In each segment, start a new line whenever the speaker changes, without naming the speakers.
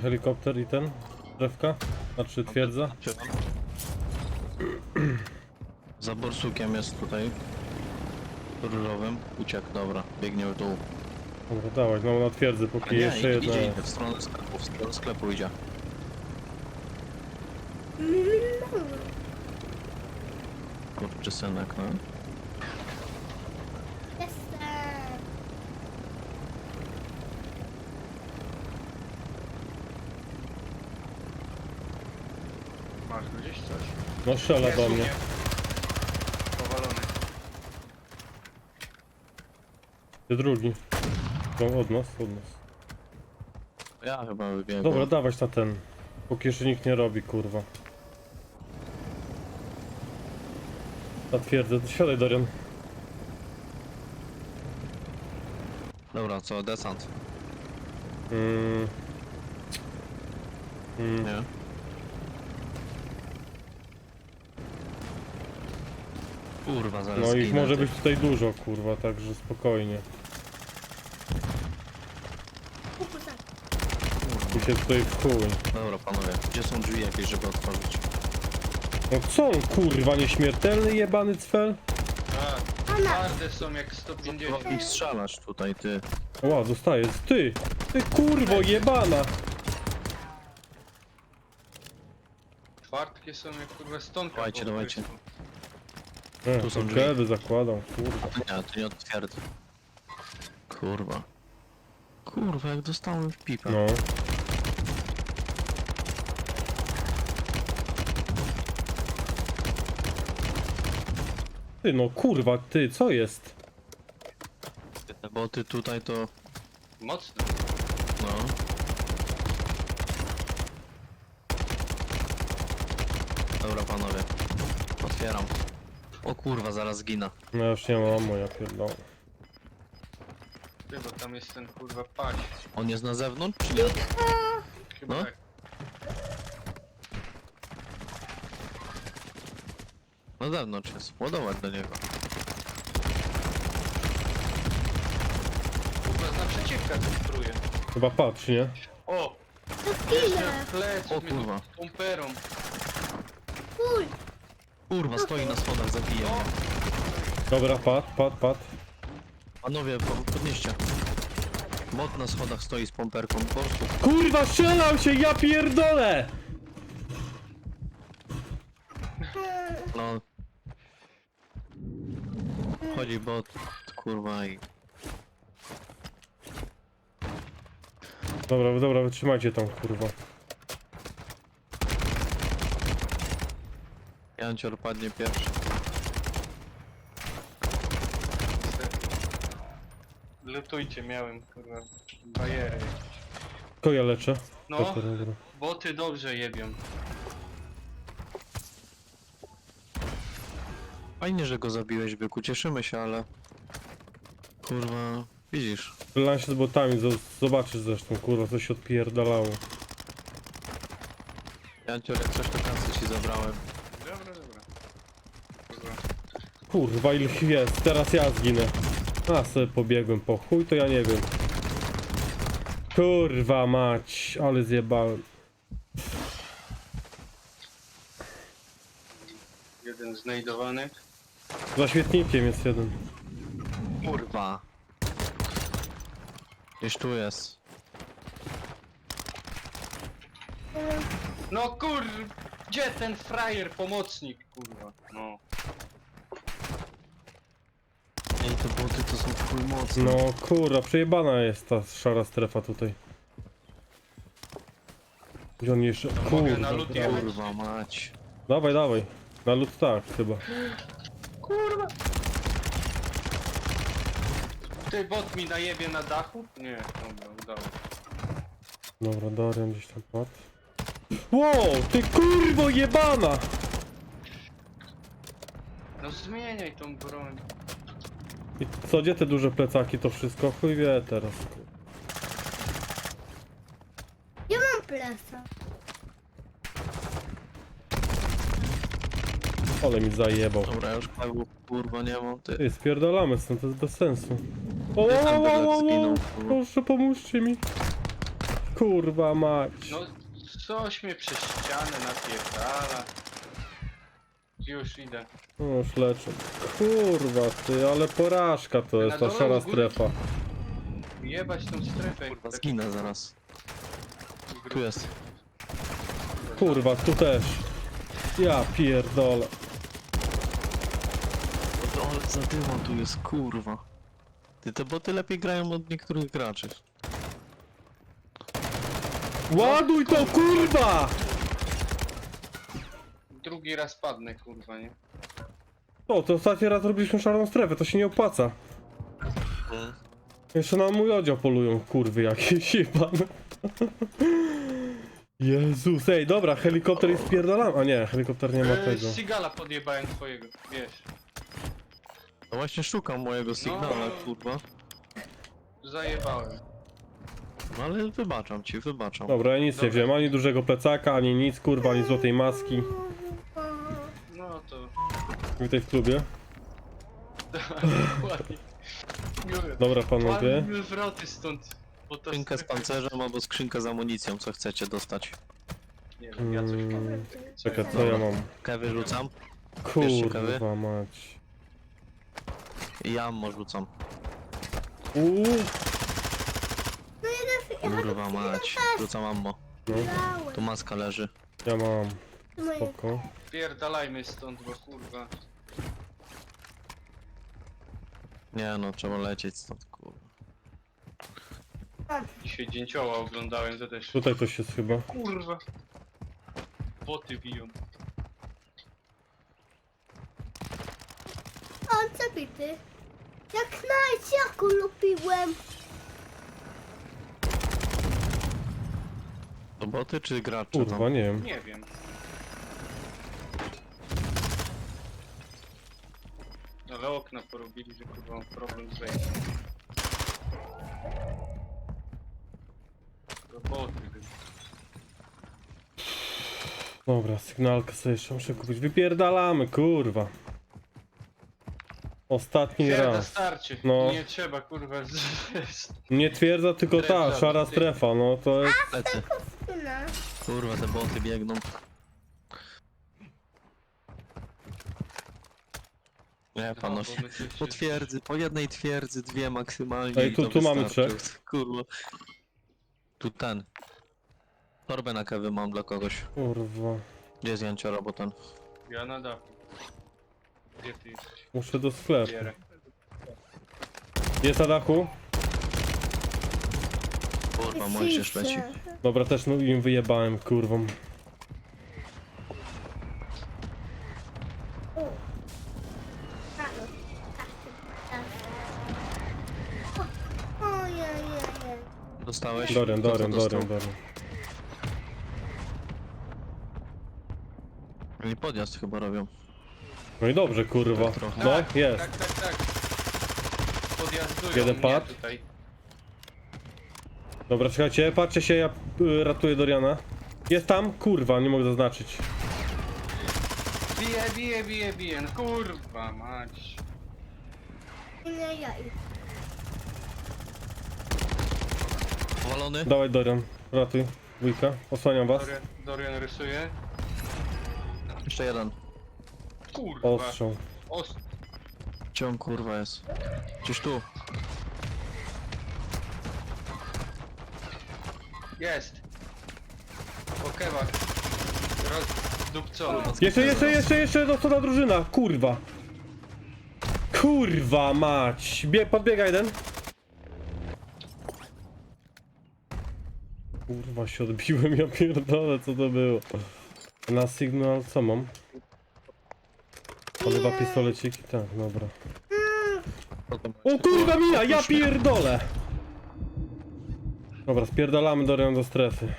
helikopter i ten? Drewka? Znaczy twierdza?
Za borsukiem jest tutaj. Różowym. Uciekł, dobra. Biegnie w dół.
Dobra, dawać, no na twierdzę,
A
póki
nie,
jeszcze jedna.
idzie w stronę sklepu, w stronę sklepu idzie. Kurczę synek, no.
Jestem.
Masz gdzieś coś?
No strzela
Jest
do
u
mnie.
Powalony.
Ty drugi. No, od nas.
Ja chyba wybiegłem.
Dobra, dawać na ten. Póki jeszcze nikt nie robi, kurwa. Na twierdzę, siadaj Dorian.
Dobra, co? Desant?
Mm.
Nie? Kurwa, zaraz
No ich
zginę,
może
ty.
być tutaj dużo, kurwa, także spokojnie.
Kukusa.
I się tutaj w chuj.
Dobra, panowie. Gdzie są drzwi jakieś, żeby otworzyć?
No co on, kurwa, nieśmiertelny jebany cfel?
Tak, twarde są jak 150.
Trzeba ich strzelać tutaj, ty.
Ła, dostaję. Ty kurwo jebana!
Twardkie są jak kurwa stonka.
Dawajcie,
po
dawajcie.
prostu.
Tu są
Tu
drzwi.
kedy zakładam, kurwa.
Nie, to nie otwierdza. Kurwa. Kurwa, jak dostałem w pipę.
No. Ty no kurwa, ty, co jest?
Te boty tutaj to...
Mocno.
no... Dobra, panowie. Otwieram. O kurwa, zaraz zginę.
No ja już nie mam moja pierdolę.
Ty, bo tam jest ten kurwa paś.
On jest na zewnątrz, czy nie?
Chyba
No.
tak.
Na zewnątrz jest. Ładować do niego.
Kurwa z naprzeciwka centruje.
Chyba patrz, nie?
O!
To
Jeszcze
chwilę.
plec
O
mnie
kurwa.
pomperą.
Fuj.
Kurwa, stoi na schodach, zabije mnie.
Dobra, pad.
Panowie, podnieście. Bot na schodach stoi z pomperką. Po prostu.
Kurwa, strzelam się, ja pierdolę!
No. Chodzi bot, kurwa i...
Dobra, wytrzymajcie tam, kurwa.
Jancior padnie pierwszy.
Lutujcie, miałem kurwa bajery.
Tylko ja leczę.
No,
Dobra.
boty dobrze jebią.
Fajnie, że go zabiłeś, byku, cieszymy się, ale... Kurwa, widzisz.
Strzelam się z botami, zobaczysz zresztą, kurwa, co się odpierdalało.
Jancior, jak coś to kasy ci zabrałem.
Dobra. Kurwa.
Kurwa, ile ich jest, teraz ja zginę. A, sobie pobiegłem po chuj, to ja nie wiem. Kurwa mać, ale zjebałem.
Jeden znajdowany.
Za świetnikiem jest jeden.
Kurwa. Gdzieś tu jest.
No kur... Gdzie ten frajer, pomocnik, kurwa? No.
Ej, te boty to są w chuj mocne.
No kurwa, przejebana jest ta szara strefa tutaj. Gdzie on jeszcze...
mogę na
Kurwa,
lód
brawo.
jechać?
Kurwa mać.
Dawaj. Na lód tak, chyba.
Kurwa! Ty bot mi najebie na dachu? Nie, dobra, udało się.
Dobra, Dorian gdzieś tam padł. Wow, ty kurwo jebana!
No zmieniaj tą broń.
I co, gdzie te duże plecaki, to wszystko? Chuj wie teraz.
Ja mam plesa.
Ale mi zajebał.
Dobra, ja już pagu, kurwa nie mam, ty.
Ty, spierdalamy stąd, to jest bez sensu. O,
Tam byle zginął, kurwa.
proszę pomóżcie mi. Kurwa mać.
No, coś mnie przez ścianę napierdala. Już idę.
No już leczę. Kurwa ty, ale porażka to jest ta
dole
szara
u góry.
strefa.
Jebać tą strefę.
Kurwa, zginę zaraz. Tu jest.
Kurwa, tu też. Ja pierdolę.
No ale za dymą tu jest, kurwa. Ty, te boty lepiej grają od niektórych graczy.
Ładuj to, kurwa!
Drugi raz padnę, kurwa, nie?
O, to ostatni raz robiliśmy szarą strefę, to się nie opłaca. Jeszcze na mój odział polują, kurwy jakieś jebane. Jezus, ej, dobra, helikopter jest spierdolany. A nie, helikopter nie ma tego.
Sigala podjebałem twojego, wiesz.
No właśnie szukam mojego sygnała, kurwa.
Zajebałem.
No ale wybaczam ci, wybaczam.
Dobra, ja nic nie
Dobra.
wziąłem, ani dużego plecaka, ani nic, kurwa, ani złotej maski.
No to...
Witaj w klubie.
Ładnie.
Dobra, panowie.
Ładnie wroty stąd. Bo to
Skrzynkę z pancerzem albo skrzynkę z amunicją, co chcecie dostać.
Nie wiem, ja coś powiem.
Czekaj, co ja mam?
Kawy rzucam.
Kurwa mać.
I ammo rzucam.
Uuu,
Kurwa mać. Rzucam ammo.
no,
Tu maska leży.
ja mam. Spoko.
Pierdalajmy stąd, bo kurwa.
Nie no, trzeba lecieć stąd, kurwa.
Dzisiaj dzięcioła oglądałem, to też...
Tutaj coś jest chyba.
Kurwa. Boty biją.
On zabity. Jak najść, jak lubiłem.
To boty czy gracze
Kurwa,
tam?
nie wiem.
Nie wiem. Ale okna porobili, że kurwa mam problem z wejściem. Roboty.
Dobra, sygnalkę sobie jeszcze muszę kupić. Wypierdalamy, kurwa. Ostatni
Twierdza
raz.
starczy.
No.
Nie trzeba kurwa
Nie twierdza, tylko ta,
Strefa,
szara
ty.
strefa, no to jest...
Lecę.
Syna.
Kurwa, te boty biegną. Nie, panowie.
bo my tu się-
Po twierdzy, po jednej twierdzy, dwie maksymalnie.
Ej,
i
tu-
to
tu mamy
wystarczy.
trzech.
Kurwa. Tu ten. Torbę na kawy mam dla kogoś.
Kurwa.
Gdzie jest Janciora, bo ten.
Ja na dachu. Gdzie ty jesteś?
Muszę do sklepu.
Bierę.
Jest na dachu?
Kurwa, Mojżesz leci.
Dobra, też no, im wyjebałem, kurwą.
O. Halo. Ojej.
Dostałeś?
Dorian,
Kto to
Dorian,
dostał?
Dorian, Dorian.
Oni podjazd chyba robią.
No i dobrze, kurwa.
Tak trochę.
No, jest.
Tak. Podjazdują
Jeden
mnie
pad.
tutaj.
Dobra, czekajcie, patrzcie się, ja ratuję Doriana. Jest tam? Kurwa, nie mogę zaznaczyć.
Bije, no kurwa mać.
Nie jaj.
Powalony?
Dawaj Dorian, ratuj. Dwójka, osłaniam was.
Dorian rysuje.
Jeszcze jeden.
Kurwa.
Ostrzał.
Gdzie on kurwa jest? Gdzieś tu.
Jest. Okewak. Rozdupcony.
Jeszcze, dostała drużyna, kurwa. Kurwa mać. Podbiega jeden. Kurwa się odbiłem, ja pierdolę, co to było. Na sygnał co mam? Polewa pistoleciki? Tak, dobra. O kurwa mina, ja pierdolę! Dobra, spierdalamy Dorian do strefy.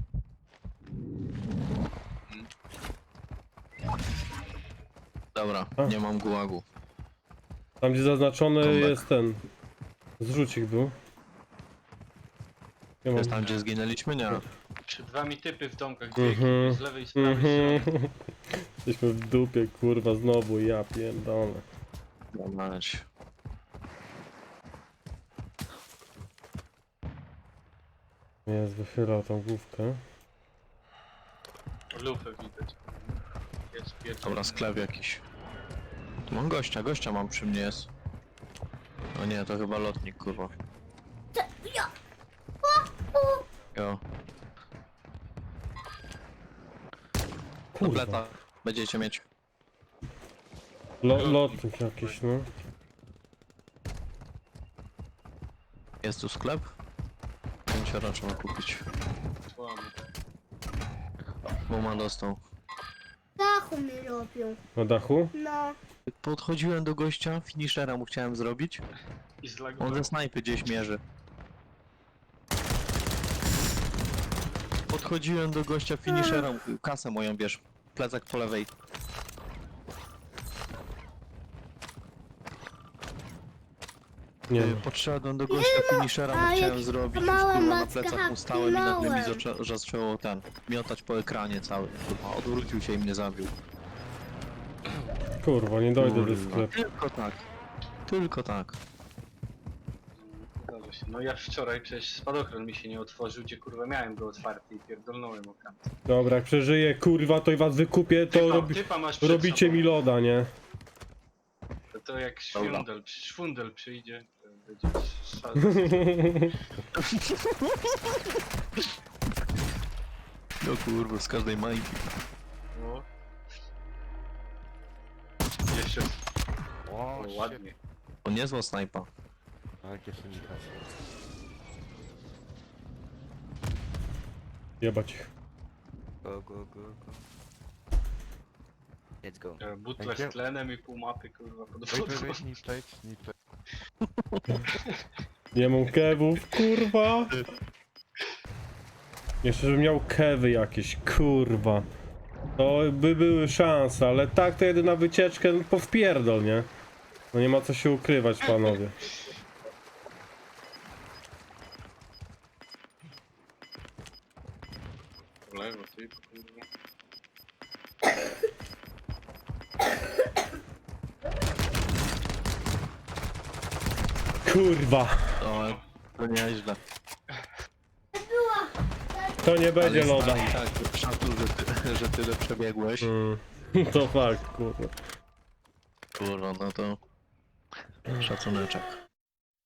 Dobra,
A.
nie mam gułagu.
Tam gdzie zaznaczony
Comeback.
jest ten. Zrzucik był. Ja mam...
Jest tam gdzie zginęliśmy? Nie.
Przed wami typy w domkach.
Mhm.
Z lewej i z prawej strony.
Mhm. Jesteśmy w dupie, kurwa, znowu, ja pierdolę.
Mać.
Jest, wychylał tą główkę.
Lufę widać. Jest pierwszy.
Dobra, sklep jakiś. Tu mam gościa mam przy mnie jest. O nie, to chyba lotnik, kurwa.
Ja.
Jo.
Kurwa.
Tableta będziecie mieć.
Lotnik jakiś, no.
Jest tu sklep? 5 trzeba kupić.
Łamy.
Bo ma dostał.
Dachu mi robią.
Na dachu?
No.
Podchodziłem do gościa, finishera mu chciałem zrobić.
I
On
zlagował.
ze snajpy gdzieś mierzy. Podchodziłem do gościa, finishera, kasę moją bierz. Plecak po lewej.
Nie.
Podszedłem do gościa, finishera mu
a
chciałem
jak
zrobić. Już,
mała
kurwa, na
macka
plecach mu stałem i nagle mi
hapnąłem.
zaczęło miotać po ekranie cały. Kurwa, odwrócił się i mnie zabił.
Kurwa, nie dojdę do
Kurwa,
sklepu.
tylko tak. Tylko tak.
Zdarza się. No ja wczoraj przecież spadochron mi się nie otworzył, gdzie kurwa miałem go otwarty i pierdolnąłem o kant.
Dobra, jak przeżyję, kurwa, to i was wykupię, to
Typa masz przed
robicie
sobą.
mi loda, nie?
To jak
Dobra.
szwundel przyjdzie, to będzie szal.
No kurwa, z każdej majki.
No. Jeszcze
O,
o, ładnie.
To niezła snajpa.
Jakie synikaty.
Jebać ich.
Go, go, go, go. Let's go.
Butle
Thank you.
z tlenem i pół mapy kurwa pod
Wait,
wodą.
wait, wait, need plate.
Nie mam kewów, kurwa. Jeszcze żebym miał kewy jakieś, kurwa. To by były szanse, ale tak to jedyna wycieczkę no, po wpierdol, nie? No nie ma co się ukrywać, panowie.
Lewo, ty kurwa.
Kurwa,
To nieźle.
to nie będzie
Ale
loda.
stary, tak, szacun, że tyle przebiegłeś.
To fakt, kurwa.
Kurwa, no to szacuneczek.